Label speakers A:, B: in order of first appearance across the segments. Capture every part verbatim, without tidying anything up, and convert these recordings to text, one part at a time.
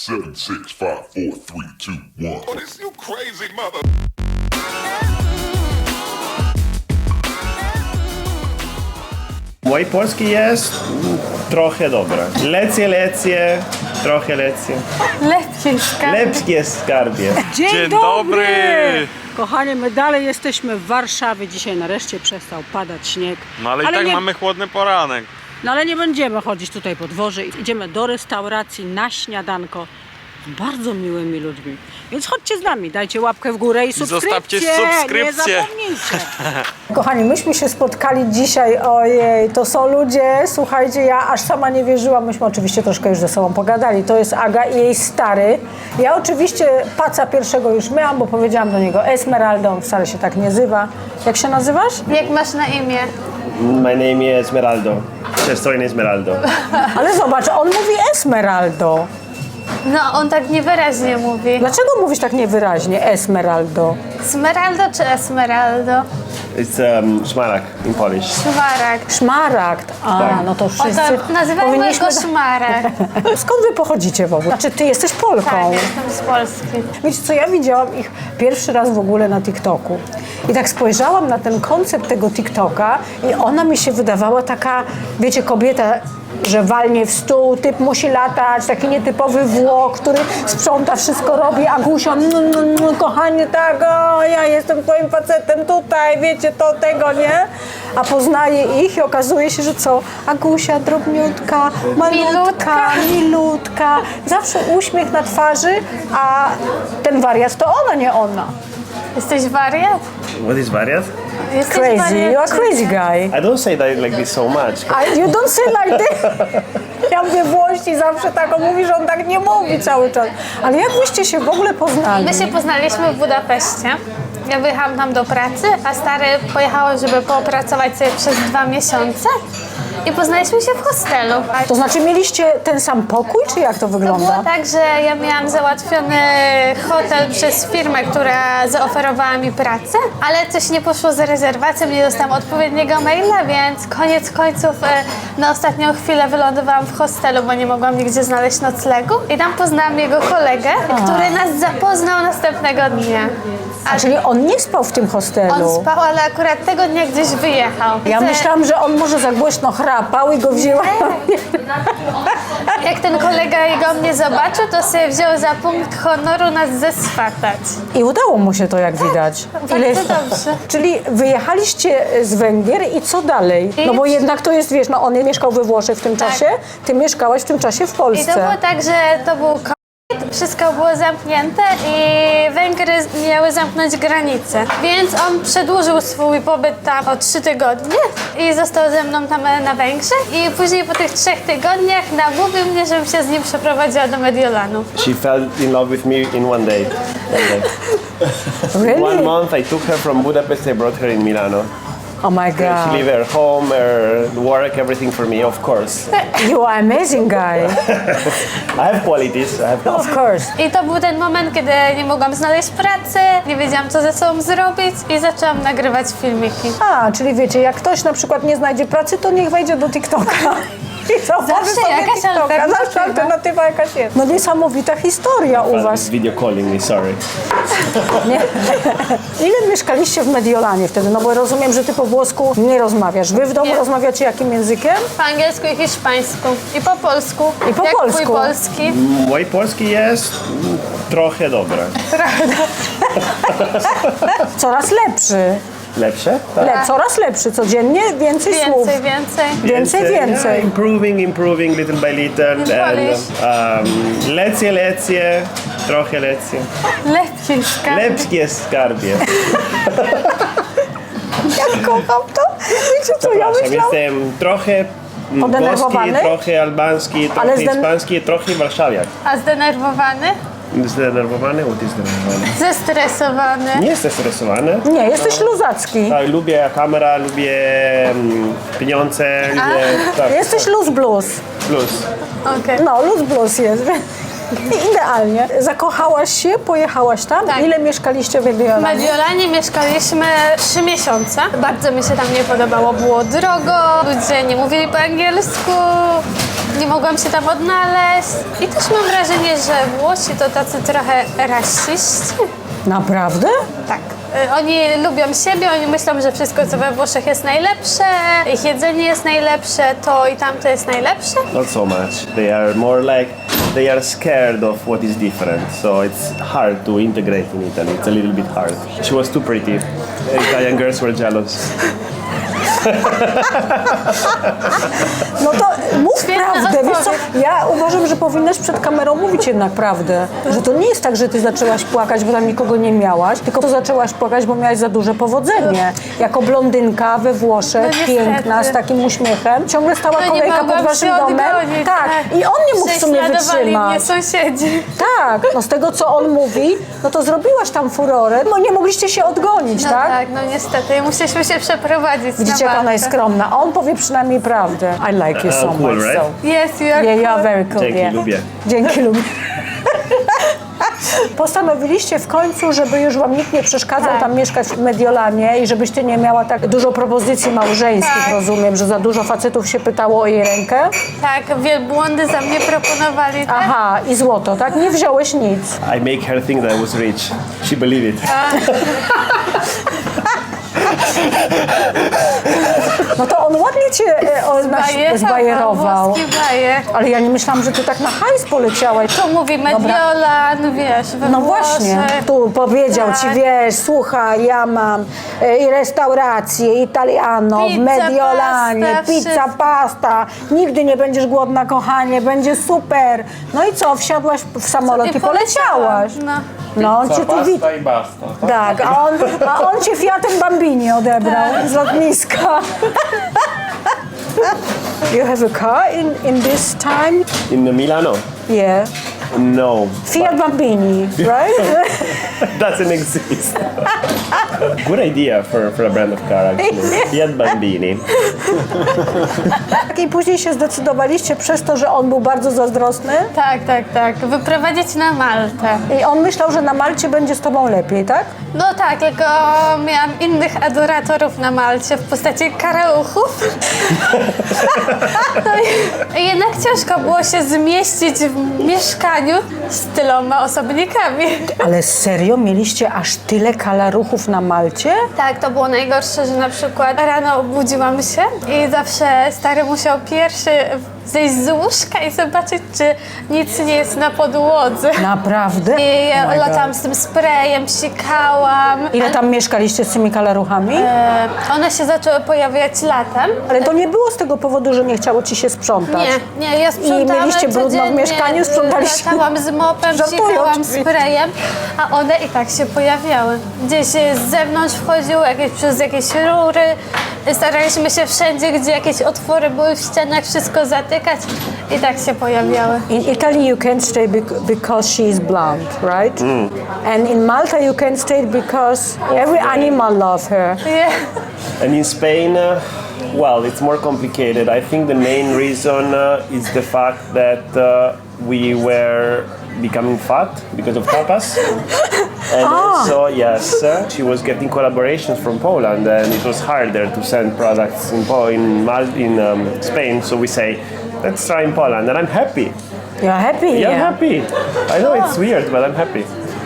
A: Seven, six, five, four, three, two, one. Oh, this you crazy mother.
B: Mój polski jest trochę dobre. Lecje, lecje, trochę lecje.
C: Lepkie skarbie.
B: Lepkie skarbie.
C: Dzień,
D: Dzień
C: dobry!
D: dobry!
C: Kochani, my dalej jesteśmy w Warszawie. Dzisiaj nareszcie przestał padać śnieg.
D: No ale, i tak
C: nie,
D: mamy chłodny poranek.
C: No ale nie będziemy chodzić tutaj po dworze. Idziemy do restauracji na śniadanko z bardzo miłymi ludźmi. Więc chodźcie z nami, dajcie łapkę w górę i subskrypcję.
D: Zostawcie subskrypcję.
C: Nie zapomnijcie. Kochani, myśmy się spotkali dzisiaj, ojej, to są ludzie, słuchajcie, ja aż sama nie wierzyłam, myśmy oczywiście troszkę już ze sobą pogadali. To jest Aga i jej stary. Ja oczywiście paca pierwszego już miałam, bo powiedziałam do niego Esmeralda, on wcale się tak nie nazywa. Jak się nazywasz?
E: Jak masz na imię?
B: My name is Esmeraldo. Estoy Esmeraldo.
C: Ale zobacz, on mówi Esmeraldo.
E: No, on tak niewyraźnie mówi.
C: Dlaczego mówisz tak niewyraźnie Esmeraldo?
E: Smeraldo czy Esmeraldo?
B: It's um, szmaragd in Polish.
E: Szmaragd.
C: Szmaragd. A,
B: Tak.
C: no to wszyscy
E: Oto nazywamy
C: powinniśmy...
E: go Szmaragd.
C: Skąd wy pochodzicie w ogóle? Znaczy, ty jesteś Polką.
E: Tak, jestem z Polski.
C: Wiecie co, ja widziałam ich pierwszy raz w ogóle na TikToku. I tak spojrzałam na ten koncept tego TikToka i ona mi się wydawała taka, wiecie, kobieta, że walnie w stół, typ musi latać, taki nietypowy Włoch, który sprząta, wszystko robi, a Gusia, no, no, no, kochanie, tak, o, ja jestem twoim facetem tutaj, wiecie, to, tego, nie? A poznaje ich i okazuje się, że co? Agusia drobniutka, malutka,
E: Milutka.
C: milutka, zawsze uśmiech na twarzy, a ten wariat to ona, nie ona.
E: Jesteś wariat?
B: What is wariat?
E: Jesteś
C: Crazy,
E: wariat,
C: you are
E: czy
C: crazy
E: nie?
C: guy.
B: I don't say that like this so much.
C: I, you don't say like this. Ja mówię Włości zawsze tak, on mówi, że on tak nie mówi cały czas. Ale jak byście się w ogóle poznali?
E: My się poznaliśmy w Budapeszcie. Ja wyjechałam tam do pracy, a stary pojechał, żeby popracować sobie przez dwa miesiące. I poznaliśmy się w hostelu.
C: To znaczy mieliście ten sam pokój, czy jak to
E: To było
C: wygląda?
E: tak, że ja miałam załatwiony hotel przez firmę, która zaoferowała mi pracę, ale coś nie poszło z rezerwacją, nie dostałam odpowiedniego maila, więc koniec końców e, na ostatnią chwilę wylądowałam w hostelu, bo nie mogłam nigdzie znaleźć noclegu i tam poznałam jego kolegę, który nas zapoznał następnego dnia.
C: A czyli on nie spał w tym hostelu?
E: On spał, ale akurat tego dnia gdzieś wyjechał.
C: Ja
E: Więc, e,
C: myślałam, że on może za głośno chrapał i go wzięła.
E: Jak ten kolega jego mnie zobaczył, to sobie wziął za punkt honoru nas zeswatać.
C: I udało mu się to, jak widać.
E: bardzo dobrze.
C: Czyli wyjechaliście z Węgier i co dalej?
E: I-
C: No bo jednak to jest, wiesz, no on mieszkał we Włoszech w tym
E: Tak.
C: czasie, ty mieszkałaś w tym czasie w
E: I
C: Polsce.
E: to było tak, że to był COVID, wszystko było zamknięte i Węgry miały zamknąć granice. Więc on przedłużył swój pobyt tam o trzy tygodnie i został ze mną tam na Węgrzech. I później po tych trzech tygodniach namówił mnie, żebym się z nim przeprowadziła do Mediolanu.
B: She fell in love with me in one day. One, day.
C: Really?
B: One month I took her from Budapest, I brought her in Milano.
C: Oh my
B: She
C: God.
B: leave her home, her work, everything for me, of course.
C: You are amazing guy.
B: I have qualities. I have
C: Of course.
E: I to był ten moment, kiedy nie mogłam znaleźć pracy, nie wiedziałam, co ze sobą zrobić i zaczęłam nagrywać filmiki.
C: A, czyli wiecie, jak ktoś na przykład nie znajdzie pracy, to niech wejdzie do TikToka. I założy
E: Zawsze
C: sobie
E: jakaś
C: TikToka.
E: alternatywa.
C: Zawsze alternatywa jakaś jest. No niesamowita historia u was.
B: video calling me, sorry.
C: Nie? Ile mieszkaliście w Mediolanie wtedy? No bo rozumiem, że ty po włosku nie rozmawiasz. Wy w domu
E: Nie.
C: rozmawiacie jakim językiem?
E: Po angielsku i hiszpańsku. I po polsku.
C: I po
E: Jak
C: polsku.
E: twój polski.
B: Mój polski jest trochę dobre.
C: Coraz lepszy.
B: Lepsze? Tak.
C: Le, coraz lepszy. Codziennie więcej, słów.
E: Więcej, więcej.
C: Więcej, więcej.
B: Yeah, improving, improving little by little. And
E: Polish.
B: um, lecje, lecje, trochę lecje.
E: Lepiej skarbie.
B: Lepkie skarbie.
C: Ja kocham to. Wiecie co, ja
B: Przepraszam,
C: myślałam...
B: jestem trochę mm, włoski,
C: Podenerwowany?
B: trochę albański, trochę
C: Ale zden-
B: hiszpański, trochę warszawiak.
E: A zdenerwowany?
B: Zdenerwowany? What is zdenerwowany?
E: Zestresowany.
B: Nie jestem stresowany.
C: Nie, jesteś luzacki.
B: Tak, lubię kamera, lubię mm, pieniądze, lubię... Tak,
C: Jesteś luz blues.
B: plus.
E: Okej.
C: No, luz blues jest. Idealnie. Zakochałaś się, pojechałaś tam.
E: Tak.
C: Ile mieszkaliście w
E: W
C: Mediolanie?
E: Mediolanie mieszkaliśmy trzy miesiące. Bardzo mi się tam nie podobało. Było drogo, ludzie nie mówili po angielsku, nie mogłam się tam odnaleźć. I też mam wrażenie, że Włosi to tacy trochę rasiści.
C: Naprawdę?
E: Tak. Y, Oni lubią siebie, oni myślą, że wszystko co we Włoszech jest najlepsze, ich jedzenie jest najlepsze, to i tamto jest najlepsze.
B: Not so much. They are more like they are scared of what is different. So it's hard to integrate in Italy. It's a little bit hard. She was too pretty. Italian girls were jealous.
C: No to mów
E: Świetna
C: prawdę, wiesz co?
E: odpowiedź.
C: Ja uważam, że powinnaś przed kamerą mówić jednak prawdę. Że to nie jest tak, że ty zaczęłaś płakać, bo tam nikogo nie miałaś, tylko to zaczęłaś płakać, bo miałaś za duże powodzenie. Jako blondynka we Włoszech,
E: No niestety.
C: piękna, z takim uśmiechem, ciągle stała
E: No nie
C: kolejka pod
E: mogłam
C: waszym
E: się
C: domem.
E: odgonić,
C: Tak, i on nie mógł w sumie
E: Prześladowali mnie
C: wytrzymać.
E: sąsiedzi.
C: Tak, no z tego co on mówi, no to zrobiłaś tam furorę, no nie mogliście się odgonić,
E: No
C: tak?
E: tak, no niestety. Musieliśmy się przeprowadzić
C: Widzicie,
E: na
C: jak ona jest
E: Maltę.
C: skromna. A on powie przynajmniej prawdę. I like you so
B: Uh, cool,
C: much.
B: right?
C: So.
E: Yes, you are
C: Yeah, you are
E: cool.
C: very cool.
B: Dzięki,
C: yeah.
B: lubię.
C: Dzięki, lubię. Postanowiliście w końcu, żeby już wam nikt nie przeszkadzał
E: Tak.
C: tam mieszkać w Mediolanie i żebyś ty nie miała tak dużo propozycji małżeńskich,
E: Tak.
C: rozumiem, że za dużo facetów się pytało o jej rękę.
E: Tak, wielbłądy za mnie proponowali. Tak?
C: Aha, i złoto, tak? Nie wziąłeś nic.
B: I make her think that I was rich. She believed it.
C: No to on ładnie cię e, o, naś-
E: Bajer,
C: zbajerował.
E: włoski bajer.
C: Ale ja nie myślałam, że ty tak na hajs poleciałaś.
E: To mówi Mediolan, wiesz, we
C: No
E: Włoszech.
C: właśnie, tu powiedział
E: Tak.
C: ci, wiesz, słuchaj, ja mam e, i restaurację italiano w
E: Pizza,
C: Mediolanie,
E: pasta,
C: pizza,
E: wszystko.
C: pasta, nigdy nie będziesz głodna, kochanie, będzie super. No i co, wsiadłaś w samolot i,
E: I poleciałam,
C: poleciałaś.
E: no.
C: No, on cię tu wit...
D: i basta.
C: Tak, a on, a on cię Fiatem Bambini odebrał z lotniska. You have a car in, in this time?
B: In Milano?
C: Yeah.
B: No.
C: Fiat Bambini, right?
B: Doesn't exist. Good idea for, for a brand of car, actually. Fiat Bambini.
C: I później się zdecydowaliście przez to, że on był bardzo zazdrosny
E: Tak, tak, tak. Wyprowadzić na Maltę.
C: i on myślał, że na Malcie będzie z tobą lepiej, tak?
E: No tak, tylko miałam innych adoratorów na Malcie w postaci karauchów. No i jednak ciężko było się zmieścić w mieszkaniu z tyloma osobnikami.
C: Ale serio? Mieliście aż tyle kalaruchów na Malcie?
E: Tak, to było najgorsze, że na przykład rano obudziłam się i zawsze stary musiał pierwszy zejść z łóżka i zobaczyć, czy nic nie jest na podłodze.
C: Naprawdę?
E: I ja
C: Oh my
E: latałam
C: God.
E: z tym sprayem, psikałam.
C: Ile tam mieszkaliście z tymi kalaruchami?
E: E, One się zaczęły pojawiać latem.
C: Ale to nie było z tego powodu, że nie chciało ci się sprzątać.
E: Nie, nie, ja sprzątałam
C: I mieliście brudno w
E: codziennie,
C: mieszkaniu, sprzątaliście?
E: Latałam z mopem,
C: Żartuję
E: psikałam
C: oczywiście.
E: sprayem, a one i tak się pojawiały. Gdzieś z zewnątrz wchodziły, jakieś, przez jakieś rury. Staraliśmy się wszędzie, gdzie jakieś otwory były w ścianach, wszystko zatykać i tak się pojawiały.
C: In Italy you can't stay bec- because she is blonde, right? And in Malta you can't stay because every animal loves her.
E: Yeah.
B: And in Spain, uh, well, it's more complicated. I think the main reason uh, is the fact that uh, we were becoming fat because of tapas. And also, yes, uh, she was getting collaborations from Poland, and it was harder to send products in po- in, Mal- in um, Spain. So we say, let's try in Poland, and I'm happy.
C: You're happy
B: Yeah,
C: here?
B: I'm happy. I know it's weird, but I'm happy.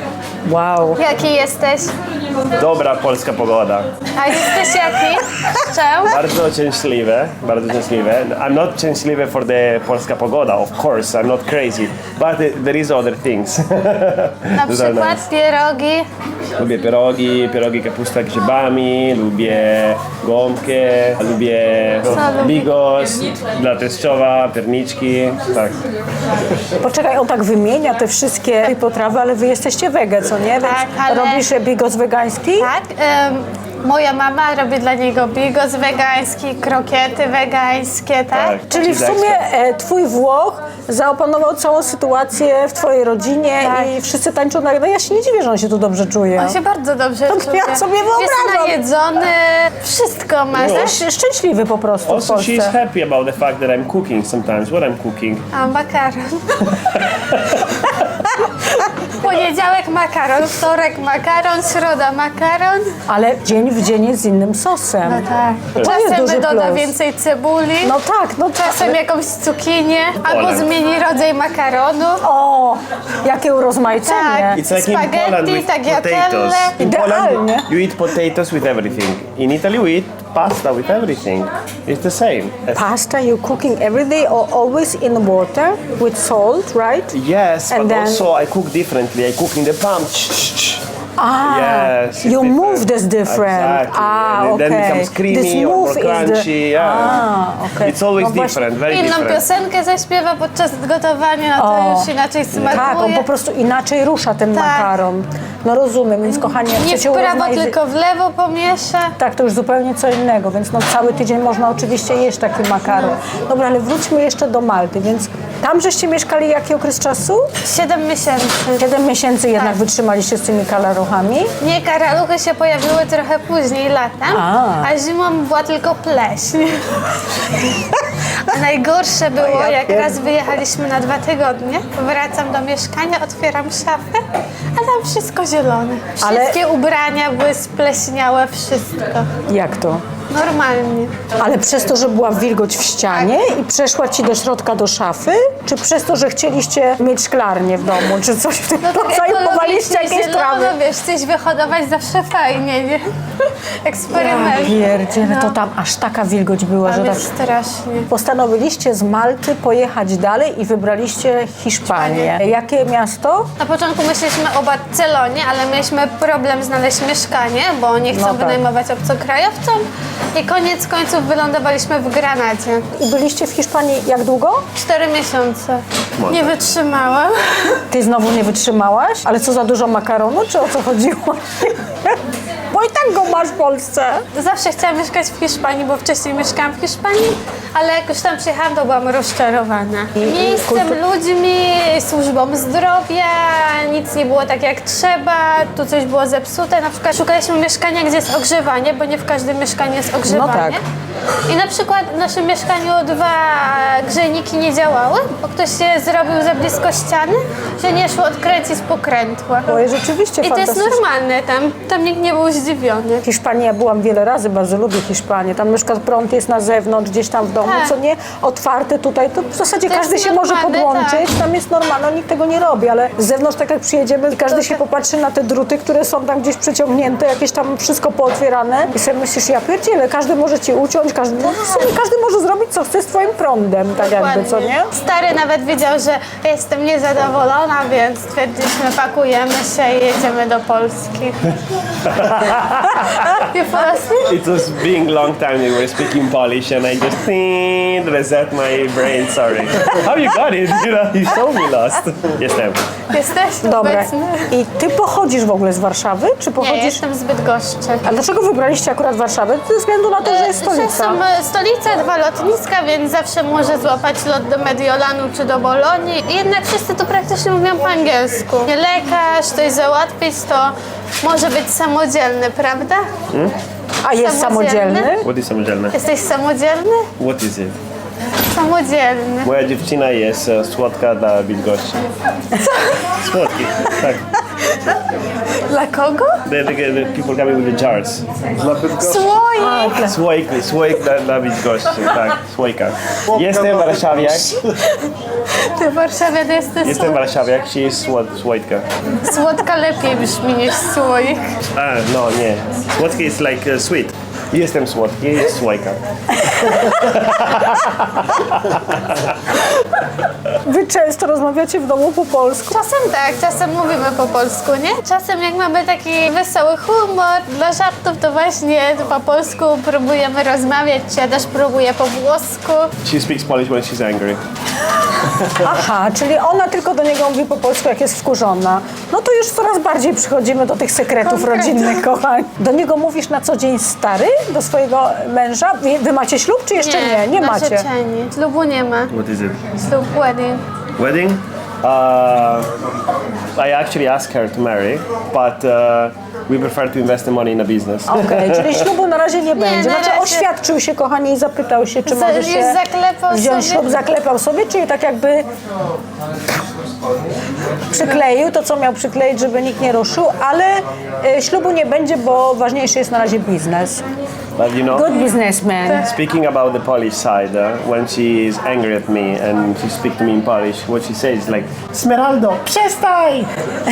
C: Wow.
E: Jaki jesteś?
B: Dobra polska pogoda.
E: A jesteś jaki? Czemu?
B: Bardzo szczęśliwe, bardzo szczęśliwe. I'm not szczęśliwy for the polska pogoda, of course, I'm not crazy, but it, there is other things.
E: Na
B: Those are
E: przykład
B: nice.
E: pierogi.
B: Lubię pierogi, pierogi kapusta grzybami, lubię gąbkę, lubię
E: lubię?
B: bigos, dla teściowa, pierniczki, tak.
C: Poczekaj, on tak wymienia te wszystkie potrawy, ale wy jesteście wege, co nie? Więc
E: Tak, ale-
C: robisz bigos wegański?
E: Tak. em, moja mama robi dla niego bigos wegański, krokiety wegańskie, tak?
B: Tak.
C: Czyli w
B: Cheese
C: sumie
B: extra.
C: e, twój Włoch zaopanował całą sytuację w twojej rodzinie
E: Tak.
C: i wszyscy tańczą na... No ja się nie dziwię, że on się tu dobrze czuje.
E: On się bardzo dobrze
C: To
E: czuje.
C: ja sobie
E: Jest
C: wyobrażam.
E: najedzony, wszystko ma. Znasz,
C: Jesteś szczęśliwy po prostu w
B: Also,
C: Polsce.
B: she's happy about the fact that I'm cooking sometimes. What I'm cooking?
E: a makaron. Poniedziałek makaron, wtorek makaron, środa makaron.
C: Ale dzień w dzień jest z innym sosem.
E: No tak.
C: To jest
E: Czasem
C: duży
E: doda
C: plus.
E: więcej cebuli.
C: No tak, no
E: Czasem
C: tak.
E: jakąś cukinię, albo
B: Poland.
E: zmieni rodzaj makaronu.
C: O, jakie urozmaicenie.
E: Tak.
B: It's like in
E: Spaghetti,
B: Poland with
E: tagliatelle.
B: potatoes. In Poland,
C: Idealnie.
B: you eat potatoes with everything. In Italy, we eat pasta with everything. It's the same.
C: Pasta you cooking every day or always in water with salt, right?
B: Yes,
C: And
B: but
C: then-
B: also I cook differently. I cook in the palm.
C: Ah,
B: Yes, it's
C: you
B: different.
C: move this different.
B: Exactly.
C: Ah,
B: And it
C: okay.
B: then becomes creamy
C: this
B: or
C: move
B: more
C: is the-
B: crunchy. Yeah.
C: Ah, okay.
B: It's always
C: No właśnie-
B: different, very
E: Inną
B: different.
E: piosenkę zaśpiewa podczas gotowania, no to
C: O.
E: już inaczej smakuje.
C: Tak, on po prostu inaczej rusza ten
E: Tak.
C: makaron. No rozumiem, więc kochani, jak
E: Nie w
C: chcecie
E: prawo,
C: urozmaicy-
E: tylko w lewo pomiesza.
C: Tak, to już zupełnie co innego, więc no cały tydzień można oczywiście jeść taki makaron. Dobra, ale wróćmy jeszcze do Malty, więc tam żeście mieszkali jaki okres czasu?
E: Siedem miesięcy.
C: Siedem miesięcy jednak
E: Tak.
C: wytrzymaliście z tymi kalaruchami.
E: Nie, karaluchy się pojawiły trochę później, latem,
C: A.
E: a, zimą była tylko pleśń. A najgorsze było,
C: ja
E: jak
C: pier-
E: raz wyjechaliśmy na dwa tygodnie, wracam do mieszkania, otwieram szafę, a tam wszystko zielone.
C: Ale-
E: Wszystkie ubrania były spleśniałe, wszystko.
C: Jak to?
E: Normalnie.
C: Ale przez to, że była wilgoć w ścianie i przeszła ci do środka do szafy? Czy przez to, że chcieliście mieć szklarnię w domu? Czy coś w tym
E: No tak
C: rodzaju? Chowaliście
E: ekologicznie,
C: jakieś trawy?
E: zielono, wiesz, coś wyhodować zawsze fajnie, nie? Eksperyment.
C: Pierdziele, to
E: No.
C: tam aż taka wilgoć była, że
E: Tam
C: tak...
E: jest strasznie.
C: Postanowiliście z Malty pojechać dalej i wybraliście Hiszpanię. Jakie miasto?
E: Na początku myśleliśmy o Barcelonie, ale mieliśmy problem znaleźć mieszkanie, bo nie chcą
C: No tak.
E: wynajmować obcokrajowcom. I koniec końców wylądowaliśmy w Granadzie.
C: I byliście w Hiszpanii jak długo?
E: Cztery miesiące. Nie wytrzymałam.
C: Ty znowu nie wytrzymałaś? Ale co, za dużo makaronu, czy o co chodziło? Bo i tak go masz w Polsce.
E: Zawsze chciałam mieszkać w Hiszpanii, bo wcześniej mieszkałam w Hiszpanii, ale jak już tam przyjechałam, to byłam rozczarowana. Miejscem,
C: kultu-
E: ludźmi, służbą zdrowia, nic nie było tak jak trzeba, tu coś było zepsute. Na przykład szukaliśmy mieszkania, gdzie jest ogrzewanie, bo nie w każdym mieszkaniu jest ogrzewanie.
C: tak.
E: I na przykład w naszym mieszkaniu dwa grzejniki nie działały, bo ktoś się zrobił za blisko ściany, że nie szło odkręcić pokrętła.
C: Oj, rzeczywiście
E: I to jest
C: fantastycznie.
E: normalne tam, tam nikt nie był zdziwiony.
C: W Hiszpanii ja byłam wiele razy, bardzo lubię Hiszpanię. Tam na przykład prąd jest na zewnątrz, gdzieś tam w domu,
E: Tak.
C: co nie, otwarte tutaj. To w zasadzie
E: To
C: każdy
E: jest
C: się może
E: normalne,
C: podłączyć,
E: tak.
C: tam jest normalne, nikt tego nie robi, ale z zewnątrz tak jak przyjedziemy, każdy
E: To
C: się
E: tak.
C: popatrzy na te druty, które są tam gdzieś przeciągnięte, jakieś tam wszystko pootwierane i sobie myślisz, ja pierdzielę, każdy może cię uciąć, każdy, no, w sumie każdy może zrobić co chce z twoim prądem, tak jakby, co nie?
E: Stary nawet wiedział, że jestem niezadowolona, więc stwierdziliśmy, pakujemy się i jedziemy do Polski. You fall asleep?
B: It was being long time we were speaking Polish and I just think, reset my brain, sorry. How you got it? You know, you so me lost. Jestem.
E: Jesteś
C: Dobra.
E: obecny?
C: I ty pochodzisz w ogóle z Warszawy, czy
E: Nie,
C: pochodzisz...
E: jestem z Bydgoszczy.
C: A dlaczego wybraliście akurat Warszawę? Ze względu na to, że jest
E: Że
C: stolica.
E: są e, stolice, dwa lotniska, więc zawsze może złapać lot do Mediolanu czy do Bolonii. I jednak wszyscy tu praktycznie mówią po angielsku. Nie lekarz, coś załatwić, to może być samodzielny, prawda?
C: A jest
E: samodzielny?
C: samodzielny?
B: What is samodzielne?
E: Jesteś samodzielny?
B: What is it?
E: Samodzielny.
B: Moja dziewczyna jest e, słodka dla Bydgoszczy. Słodki, tak.
E: Dla kogo?
B: The, the, the people coming with the jars. Dla Bydgoszczy.
E: Słoik!
B: Słoik, słoik dla, dla Bydgoszczy, tak, słoika. Jestem warszawiak,
E: Ty w Warszawie to jesteś
B: jestem warszawiak, she is słod, słoitka.
E: Słodka lepiej brzmi niż słoik.
B: A, no nie. Słodki is like uh, sweet. Jestem słodki, jest słoika.
C: Wy często rozmawiacie w domu po polsku?
E: Czasem tak, czasem mówimy po polsku, nie? Czasem jak mamy taki wesoły humor dla żartów, to właśnie po polsku próbujemy rozmawiać, czy ja też próbuję po włosku.
B: She speaks Polish when she's angry.
C: Aha, czyli ona tylko do niego mówi po polsku, jak jest wkurzona. No to już coraz bardziej przychodzimy do tych sekretów
E: Konkretnie.
C: rodzinnych, kochani. Do niego mówisz na co dzień stary? Do swojego męża? Wy, wy macie ślub, czy jeszcze nie? Nie, macie.
E: narzeczeni. Ślubu nie ma.
B: What is it?
E: Ślub wedding.
B: Wedding? Uh, I actually asked her to marry, but uh, we prefer to invest the money in a business.
C: Okej, czyli ślubu na razie nie będzie.
E: na
C: Znaczy
E: razie.
C: oświadczył się, kochani, i zapytał się, czy
E: Za-
C: może
E: już
C: się
E: zaklepał
C: wziąć
E: sobie.
C: ślub, zaklepał sobie, czyli tak jakby Przykleił to, co miał przykleić, żeby nikt nie ruszył, ale e, ślubu nie będzie, bo ważniejszy jest na razie biznes.
B: But you know,
C: Good businessman.
B: speaking about the Polish side, uh, when she is angry at me and she speaks to me in Polish, what she says is like, Smeraldo, przestań!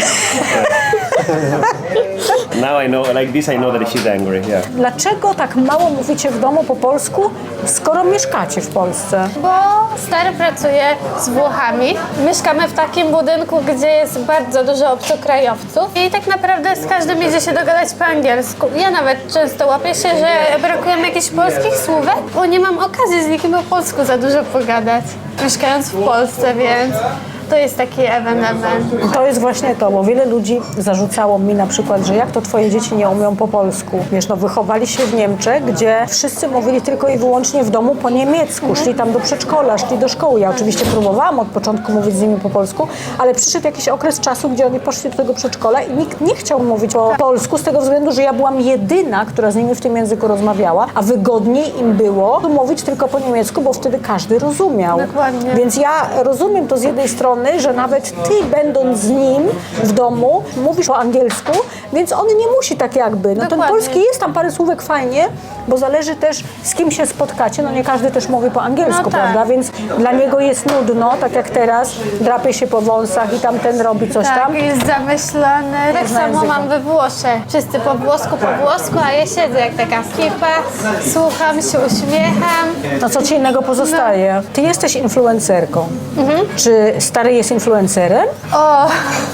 B: Now I know, like this I know that she's angry, yeah.
C: Dlaczego tak mało mówicie w domu po polsku, skoro mieszkacie w Polsce?
E: Bo stary pracuje z Włochami. Mieszkamy w takim budynku, gdzie jest bardzo dużo obcokrajowców i tak naprawdę z każdym idzie się dogadać po angielsku. Ja nawet często łapię się, że brakuje mi jakichś polskich słówek, bo nie mam okazji z nikim po polsku za dużo pogadać, mieszkając w Polsce, więc to jest taki event, event.
C: To jest właśnie to, bo wiele ludzi zarzucało mi na przykład, że jak to twoje dzieci nie umią po polsku. Wiesz, no wychowali się w Niemczech, gdzie wszyscy mówili tylko i wyłącznie w domu po niemiecku. Szli tam do przedszkola, szli do szkoły. Ja oczywiście próbowałam od początku mówić z nimi po polsku, ale przyszedł jakiś okres czasu, gdzie oni poszli do tego przedszkola i nikt nie chciał mówić po polsku z tego względu, że ja byłam jedyna, która z nimi w tym języku rozmawiała, a wygodniej im było mówić tylko po niemiecku, bo wtedy każdy rozumiał.
E: Dokładnie.
C: Więc ja rozumiem to z jednej strony, że nawet ty, będąc z nim w domu, mówisz po angielsku, więc on nie musi tak jakby. No ten
E: Dokładnie.
C: polski jest tam parę słówek fajnie, bo zależy też z kim się spotkacie. No nie każdy też mówi po angielsku,
E: No tak.
C: prawda? Więc dla niego jest nudno, tak jak teraz, drapie się po wąsach i tamten robi coś
E: Tak,
C: tam.
E: jest zamyślony. Tak
C: Różne
E: samo
C: języki.
E: mam we Włoszech. Wszyscy po włosku, po włosku, a ja siedzę jak taka skipa, słucham się, uśmiecham.
C: No co ci innego pozostaje? Ty jesteś influencerką. Czy stary jest influencerem?
E: O,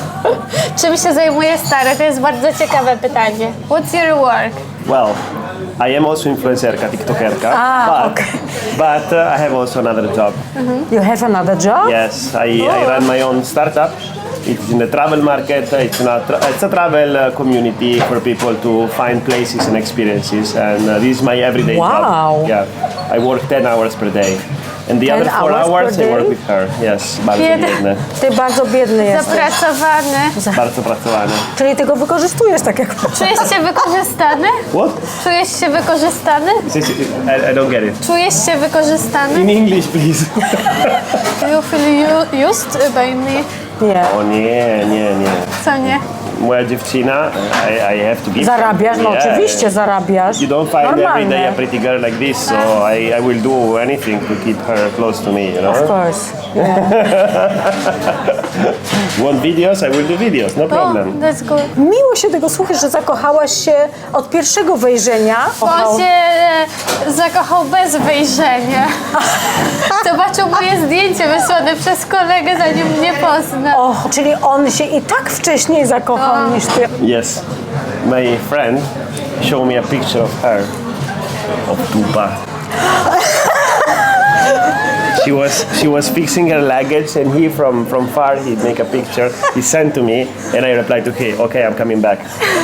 E: czym się zajmuje stary? To jest bardzo ciekawe pytanie. What's your work?
B: Well, I am also influencerka, tiktokerka,
C: Ah,
B: but,
C: okay.
B: but uh, I have also another job.
C: You have another job?
B: Yes, I, I run my own startup. It's in the travel market. It's, not tra- it's a travel uh, community for people to find places and experiences. And uh, this is my everyday
C: Wow.
B: job. Yeah, I work ten hours per day. And the
C: ten
B: other four
C: hours per
B: hours I
C: day?
B: work with her. Yes, bardzo
E: Biedny.
B: biedny.
C: Ty bardzo biedny jesteś.
E: Zapracowany.
B: Bardzo pracowany.
C: Czyli ty go wykorzystujesz tak jak
E: Czujesz się wykorzystany?
B: What?
E: Czujesz się wykorzystany?
B: I, I don't get it.
E: Czujesz się wykorzystany?
B: In English, please.
E: You feel u- used by me?
C: Nie.
B: O nie, nie, nie.
E: Co nie?
B: Moja dziewczyna, I, I have to give
C: Zarabiasz? No
B: Yeah.
C: oczywiście zarabiasz.
B: You don't find every day a
C: Normalne.
B: pretty girl like this, so I, I will do anything to keep her close to me, you know?
C: Of course. Yeah.
B: Want videos? I will do videos, no
E: Oh,
B: problem.
E: that's good.
C: Miło się tego słuchać, że zakochałaś się od pierwszego wejrzenia.
E: On się e, zakochał bez wejrzenia. Zobaczył moje zdjęcie wysłane przez kolegę, zanim mnie poznał.
C: O, czyli on się i tak wcześniej zakochał niż ty.
B: Yes, my friend showed me a picture of her, of Tupa. She was she was fixing her luggage, and he from from far he'd make a picture. He sent to me, and I replied to him, "Okay, I'm coming back."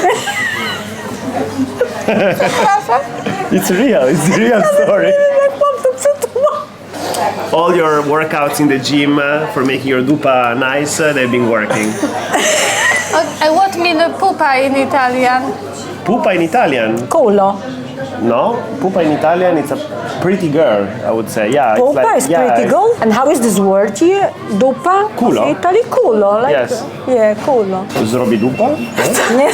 B: It's real. It's a real story.
C: Jak mam to przetłumaczyć?
B: All your workouts in the gym uh, for making your dupa nice, uh, they've been working.
E: Okay, what mean pupa in Italian?
B: Pupa in Italian?
C: Kulo.
B: No, pupa in Italian, it's a pretty girl, I would say. Yeah,
C: Pupa
B: it's like,
C: is
B: yeah,
C: pretty girl. And how is this word here? Dupa?
B: Kulo.
C: W Italii kulo. Like,
B: Yes.
C: Yeah, kulo.
B: Zrobi dupa?
C: Nie?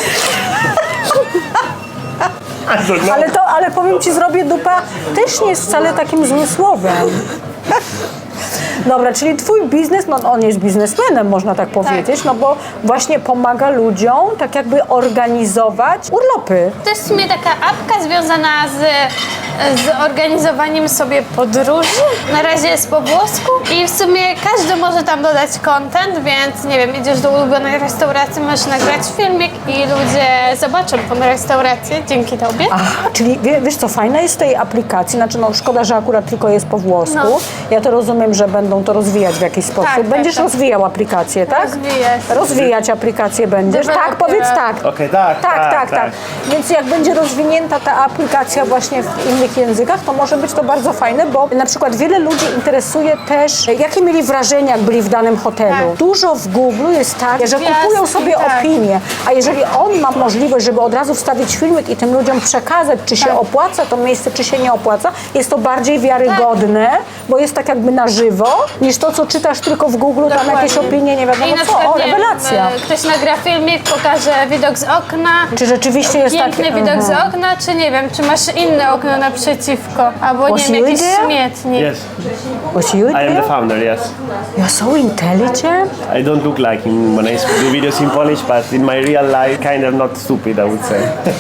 B: I don't know.
C: Ale to, ale powiem ci, zrobię dupa też nie jest wcale takim złym słowem. Dobra, czyli twój biznes, no on jest biznesmenem, można tak powiedzieć, no bo właśnie pomaga ludziom tak jakby organizować urlopy.
E: To jest w sumie taka apka związana z, z organizowaniem sobie podróży. Na razie jest po włosku i w sumie każdy może tam dodać content, więc nie wiem, idziesz do ulubionej restauracji, możesz nagrać filmik i ludzie zobaczą tą restaurację dzięki tobie.
C: Aha, czyli wie, wiesz co, fajne jest w tej aplikacji, znaczy no szkoda, że akurat tylko jest po włosku.
E: No.
C: Ja to rozumiem, że będą to rozwijać w jakiś sposób.
E: Tak,
C: Będziesz
E: tak, tak.
C: rozwijał aplikację, tak?
E: Rozwijać.
C: Rozwijać aplikację będziesz. Tak,
E: Deweloper.
C: powiedz tak.
B: Okej, tak,
C: Tak,
B: tak,
C: tak, tak.
B: tak.
C: Więc jak będzie rozwinięta ta aplikacja właśnie w innych językach, to może być to bardzo fajne, bo na przykład wiele ludzi interesuje też, jakie mieli wrażenia, jak byli w danym hotelu.
E: Tak.
C: Dużo w Google jest tak, że
E: Gwiazdki,
C: kupują sobie
E: tak.
C: opinie, a jeżeli on ma możliwość, żeby od razu wstawić filmik i tym ludziom przekazać, czy się
E: Tak.
C: opłaca to miejsce, czy się nie opłaca, jest to bardziej wiarygodne, bo jest tak jakby na żywo niż to, co czytasz tylko w Google, tam
E: Dokładnie.
C: jakieś opinie, nie wiadomo
E: I na
C: co.
E: przykład,
C: O,
E: nie wiem,
C: rewelacja.
E: e, ktoś nagra filmik, pokaże widok z okna.
C: Czy rzeczywiście jest
E: Piękny
C: tak...
E: widok z
C: Mhm.
E: okna, czy nie wiem, czy masz inne okno naprzeciwko, albo
C: Was
E: nie wiem,
C: you
E: jakiś
C: there?
E: śmietnik.
B: Yes,
C: Was you
B: I am the
C: there?
B: founder, yes.
C: You're so intelligent.
B: I don't look like him when I do videos in Polish, but in my real life, kind of not stupid, I would say.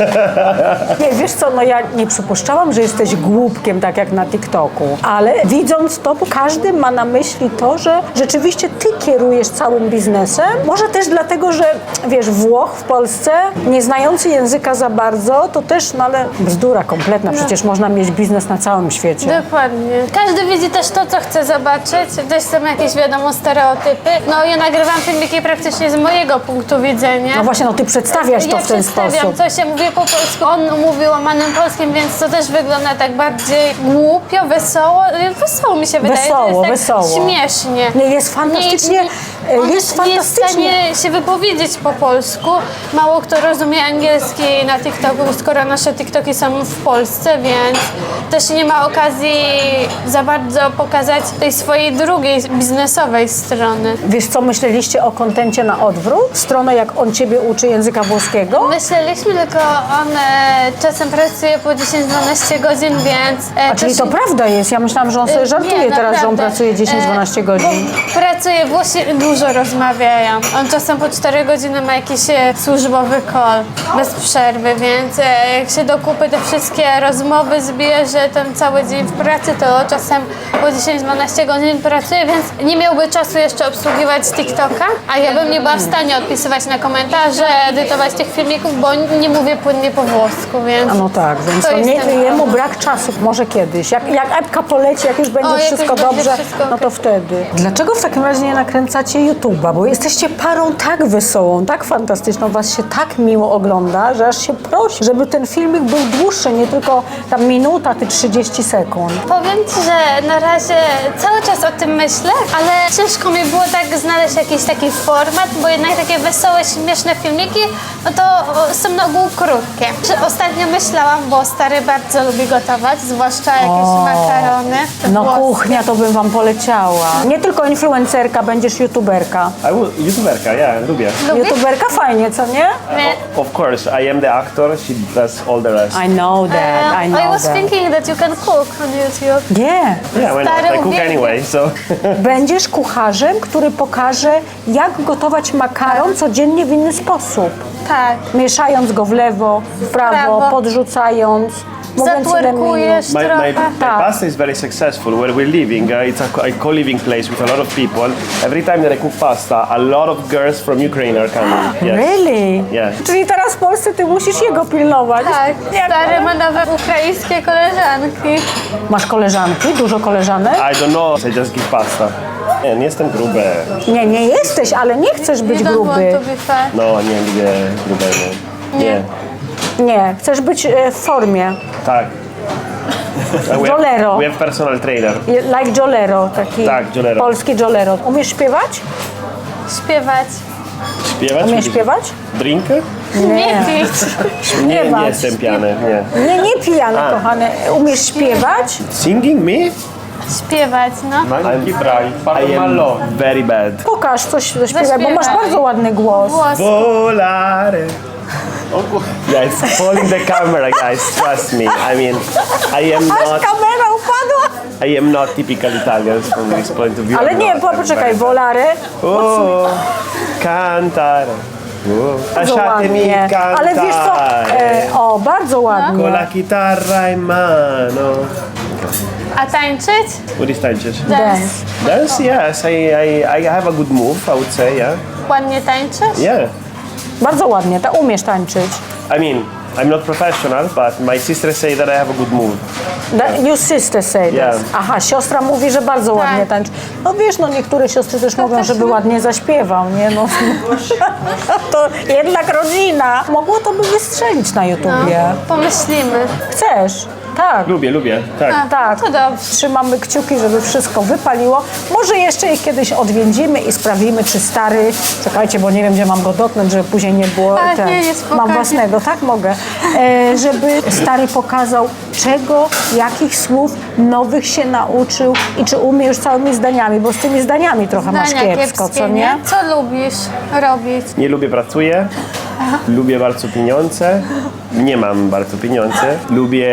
C: Nie, wiesz co, no ja nie przypuszczałam, że jesteś głupkiem, tak jak na TikToku, ale widząc to, każdy ma na myśli to, że rzeczywiście ty kierujesz całym biznesem. Może też dlatego, że wiesz, Włoch w Polsce, nie znający języka za bardzo, to też, no ale bzdura kompletna, przecież można mieć biznes na całym świecie.
E: Dokładnie. Każdy widzi też to, co chce zobaczyć. Też są jakieś, wiadomo, stereotypy. No ja nagrywam filmiki praktycznie z mojego punktu widzenia.
C: No właśnie, no ty przedstawiasz to
E: Ja
C: w ten
E: przedstawiam
C: sposób.
E: coś, ja mówię po polsku, on mówi łamanym polskim, więc to też wygląda tak bardziej głupio, wesoło. Wesoło mi się wydaje.
C: Wesoło,
E: to jest
C: wesoło.
E: tak śmiesznie.
C: Nie, jest fantastycznie,
E: Nie,
C: e,
E: on
C: jest
E: nie jest w
C: fantastycznie.
E: stanie się wypowiedzieć po polsku. Mało kto rozumie angielski na TikToku, skoro nasze TikToki są w Polsce, więc też nie ma okazji za bardzo pokazać tej swojej drugiej biznesowej strony.
C: Wiesz co, myśleliście o kontencie na odwrót? Stronę, jak on ciebie uczy języka włoskiego?
E: Myśleliśmy, tylko on e, czasem pracuje po dziesięć dwanaście godzin, więc... E,
C: A czyli
E: też-
C: to prawda jest? Ja myślałam, że on sobie
E: E,
C: żartuje
E: nie,
C: teraz, że on
E: naprawdę.
C: pracuje dziesięć dwanaście
E: E,
C: godzin.
E: bo Pracuje, Włosi dużo rozmawiają. On czasem po cztery godziny ma jakiś e, służbowy call bez przerwy, więc e, jak się do kupy te wszystkie rozmowy zbierze ten cały dzień w pracy, to czasem po dziesięć dwanaście godzin pracuje, więc nie miałby czasu jeszcze obsługiwać TikToka, a ja bym nie była w stanie odpisywać na komentarze, edytować tych filmików, bo nie mówię płynnie po włosku, więc...
C: A no tak, więc
E: To
C: to
E: jest
C: nie,
E: ten
C: jemu
E: problem.
C: brak czasu, może kiedyś. Jak, jak epka poleci, jak już będzie
E: O, jak
C: wszystko
E: już będzie
C: dobrze,
E: wszystko
C: no to
E: okej.
C: wtedy. Dlaczego w takim razie nie nakręcacie YouTube'a? Bo jesteście parą tak wesołą, tak fantastyczną, was się tak miło ogląda, że aż się prosi, żeby ten filmik był dłuższy, nie tylko tam minuta, ty trzydzieści sekund.
E: Powiem Ci, że na razie cały czas o tym myślę, ale ciężko mi było tak znaleźć jakiś taki format, bo jednak takie wesołe, śmieszne filmiki, no to o, są na ogół krótkie. Że Ostatnio myślałam, bo stary bardzo lubi gotować, zwłaszcza jakieś
C: O,
E: makarony.
C: No
E: włoskie.
C: kuchnia to bym wam poleciała. Nie tylko influencerka, będziesz youtuberka.
B: I will, YouTuberka, yeah, lubię.
E: Lubisz?
C: YouTuberka fajnie, co nie?
E: Nie.
B: Of course, I am the actor, she does all the rest.
C: I know that, I
E: Uh,
C: know
E: I was
C: that.
E: thinking that you can cook on YouTube.
C: Nie.
B: Yeah, why not?
E: Stary
B: I cook
E: uwielbiam.
B: anyway, so...
C: Będziesz kucharzem, który pokaże, jak gotować makaron codziennie w inny sposób.
E: Tak.
C: Mieszając go w lewo, w prawo,
E: Prawo.
C: podrzucając, mówiąc ile minut.
E: Zatwerkujesz
B: My, my,
E: trochę.
B: my
C: Tak.
B: pasta is very successful. Where we're living, uh, it's a, co- a co-living place with a lot of people. Every time that I cook pasta, a lot of girls from Ukraine are coming. Yes.
C: Really?
B: Yeah.
C: Czyli teraz w Polsce ty musisz jego pilnować.
E: Tak,
C: Jak
E: stary
C: one?
E: ma nawet ukraińskie koleżanki.
C: Masz koleżanki? Dużo koleżanek?
B: I don't know, I just give pasta. Nie, nie jestem gruby.
C: Nie, nie jesteś, ale nie chcesz być
E: You don't
C: gruby.
E: want to be fat.
B: No, nie lubię grubego. Nie.
C: Nie, chcesz być e, w formie.
B: Tak. Uh, we
C: Jolero.
B: have, we have personal trainer.
C: Like Jolero, taki
B: Tak, Jolero.
C: polski Jolero. Umiesz śpiewać?
E: Śpiewać.
B: Śpiewać?
C: Umiesz śpiewać?
B: Drinkę?
E: Nie pić.
B: Nie, nie
C: Śpiewać.
B: jestem pijany, nie.
C: Nie, nie pijany,
B: A.
C: kochany. Umiesz śpiewać?
B: Singing me?
E: Śpiewać, no.
B: I'm, I am very bad.
C: Pokaż coś, zaśpiewaj, bo masz
E: Zaśpiewaj.
C: bardzo ładny głos.
E: Głos.
B: Volare. Yeah, it's falling the camera, guys. Trust me. I mean, I am
C: Aż
B: not.
C: kamera upadła.
B: I am not typical Italian from this point of view.
C: Ale
B: I'm
C: nie,
B: not.
C: po,
B: I'm
C: poczekaj,
B: very bad.
C: volare.
B: Oh, cantare. Oh,
C: Bardzo
B: lasciatemi
C: ładnie.
B: cantare.
C: Ale wiesz co? E, o, bardzo
B: Con
C: ładnie.
B: la chitarra in mano.
E: A tańczyć?
B: What is tańczyć?
C: Dance.
B: Dance? Yes, I, I, I have a good move, I would say, yeah.
E: Ładnie tańczysz?
B: Yeah.
C: Bardzo ładnie, ta umiesz tańczyć.
B: I mean, I'm not professional, but my sister say that I have a good move.
C: Da, your sister said
B: Yeah.
C: this. Aha, siostra mówi, że bardzo
E: Tak.
C: ładnie tańczy. No wiesz, no niektóre siostry też mówią,
E: też
C: żeby
E: my-
C: ładnie zaśpiewał, nie? No, to jednak rodzina. Mogło to by wystrzelić na
E: No,
C: YouTubie.
E: pomyślimy.
C: Chcesz? Tak.
B: Lubię, lubię, tak.
C: Tak,
E: to dobrze.
C: trzymamy kciuki, żeby wszystko wypaliło. Może jeszcze ich kiedyś odwiedzimy i sprawimy, czy stary... Czekajcie, bo nie wiem, gdzie mam go dotknąć, żeby później nie było...
E: A,
C: ten-
E: nie, nie, spokojnie.
C: Mam własnego, tak? Mogę. E, żeby stary pokazał, czego, jakich słów nowych się nauczył i czy umie już całymi zdaniami, bo z tymi zdaniami trochę masz
E: Zdania
C: kiepsko,
E: kiepskie,
C: co nie?
E: Co lubisz robić?
B: Nie lubię pracuję, lubię bardzo pieniądze, nie mam bardzo pieniędzy. Lubię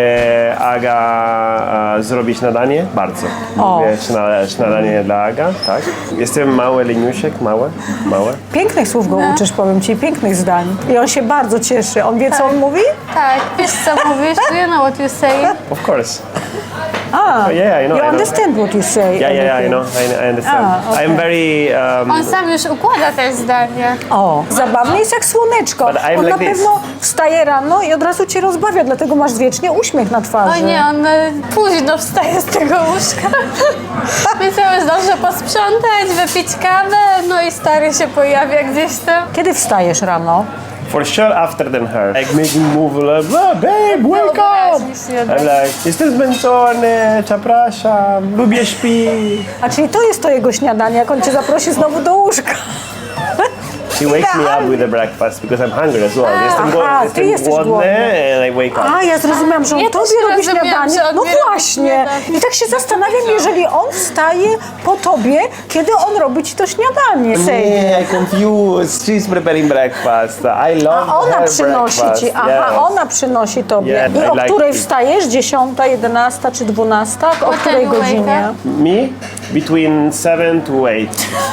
B: Aga e, zrobić śniadanie, bardzo.
C: O.
B: Lubię śna- śniadanie dla Aga, tak. Jestem mały leniusiek, małe, małe.
C: Pięknych słów go uczysz, powiem ci, pięknych zdań. I on się bardzo cieszy. On wie, co on mówi?
E: Tak, wiesz co mówisz? Do you know what you say?
B: Of course.
C: A,
B: yeah, I know,
C: you
B: I know.
C: understand what you say.
B: Yeah, yeah, yeah, I
C: everything.
B: know, I, I understand.
C: Ah, okay.
B: I'm very... Um,
E: On sam już układa te zdania.
C: O, zabawny jest jak słoneczko.
B: But I'm
C: On
B: like
C: na
B: this.
C: pewno wstaje rano i od razu cię rozbawia, dlatego masz wiecznie uśmiech na twarzy.
E: O nie, on e, późno wstaje z tego łóżka. Więc ja zdążę posprzątać, wypić kawę, no i stary się pojawia gdzieś tam.
C: Kiedy wstajesz rano?
B: For sure after than her. Like making move like, oh, babe, wake up!
E: Wyobraź mi się,
B: I'm like, jestem zmęczony, przepraszam, lubię śpi.
C: A czyli to jest to jego śniadanie, jak on cię zaprosi znowu do łóżka.
B: She wakes me up with a breakfast because I'm hungry as well. Jestem, go-
C: Aha, ty
B: jestem
C: jesteś
B: głodny
C: głodny.
B: and I wake up.
C: A, ja zrozumiałam, że on
E: Ja też
C: tobie robi
E: rozumiałam,
C: śniadanie.
E: że on
C: No
E: mi robi
C: właśnie.
E: śniadanie.
C: I tak się zastanawiam, jeżeli on wstaje po tobie, kiedy on robi ci to śniadanie. Sejmie.
B: Yeah, I confused. She's preparing breakfast. I love
C: A ona
B: her
C: przynosi
B: breakfast.
C: ci, aha,
B: Yes.
C: ona przynosi tobie.
B: Yes,
C: I
B: I
C: o
B: like
C: której
B: it.
C: wstajesz? Dziesiąta, jedenasta czy dwunasta? O
E: What
C: której
E: time you wake
C: godzinie?
B: Me? Between seven to eight.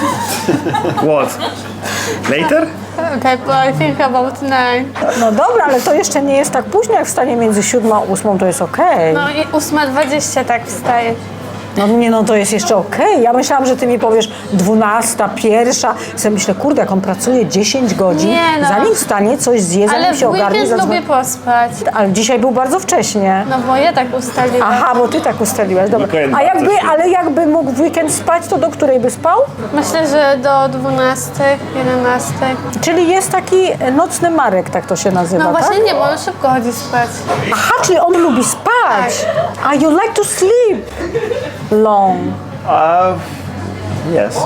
B: What? Later?
E: Okay, but I think about nine.
C: No dobra, ale to jeszcze nie jest tak późno, jak wstanie między siódmą a ósmą, to jest okej.
E: No i ósma dwadzieścia tak wstaje.
C: No nie, no to jest jeszcze okej. Ja myślałam, że ty mi powiesz dwunasta, pierwsza. Sobie myślę, kurde, jak on pracuje dziesięć godzin,
E: Nie, no.
C: zanim wstanie, coś zje,
E: Ale
C: zanim się
E: w
C: ogarnie.
E: weekend
C: zadzwoni-
E: lubię pospać.
C: Ale dzisiaj był bardzo wcześnie.
E: No bo ja tak ustaliłam.
C: Aha, bo ty tak ustaliłaś, dobra.
B: Weekend
C: A jakby,
B: bardzo się-
C: ale jakby mógł w weekend spać, to do której by spał?
E: Myślę, że do dwunastej, jedenastej.
C: Czyli jest taki nocny Marek, tak to się nazywa,
E: No
C: tak?
E: właśnie nie, bo on szybko chodzi spać.
C: Aha, czyli on lubi spać. A you like to sleep long.
B: Uh, yes.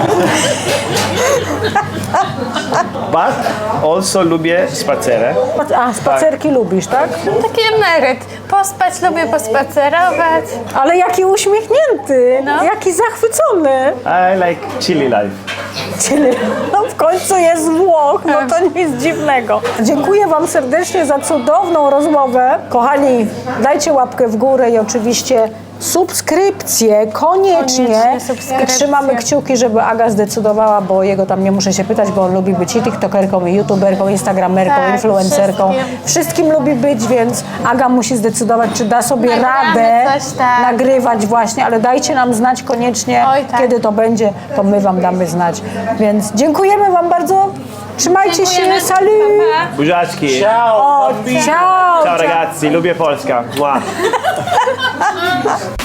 B: But also lubię spacerę.
C: A, spacerki lubisz, tak?
E: Taki emeryt. Pospać lubię, pospacerować.
C: Ale jaki uśmiechnięty,
E: No.
C: jaki zachwycony.
B: I like chilly life.
C: Czyli no w końcu jest Włoch, no to nic dziwnego. Dziękuję wam serdecznie za cudowną rozmowę. Kochani, dajcie łapkę w górę i oczywiście subskrypcję, koniecznie.
E: Koniecznie subskrypcję.
C: I trzymamy kciuki, żeby Aga zdecydowała, bo jego tam nie muszę się pytać, bo on lubi być i tiktokerką, i youtuberką, instagramerką,
E: Tak,
C: influencerką.
E: wszystkim.
C: Wszystkim lubi być, więc Aga musi zdecydować, czy da sobie
E: Nagramy
C: radę
E: coś, tak.
C: nagrywać właśnie, ale dajcie nam znać koniecznie,
E: Oj, tak.
C: kiedy to będzie, to my wam damy znać. Więc dziękujemy wam bardzo. Trzymajcie
E: Dziękujemy.
C: się. Salut!
E: Pa, pa.
B: Buziaczki.
C: O, ciao!
B: Ciao ragazzi, lubię Polska. Mua.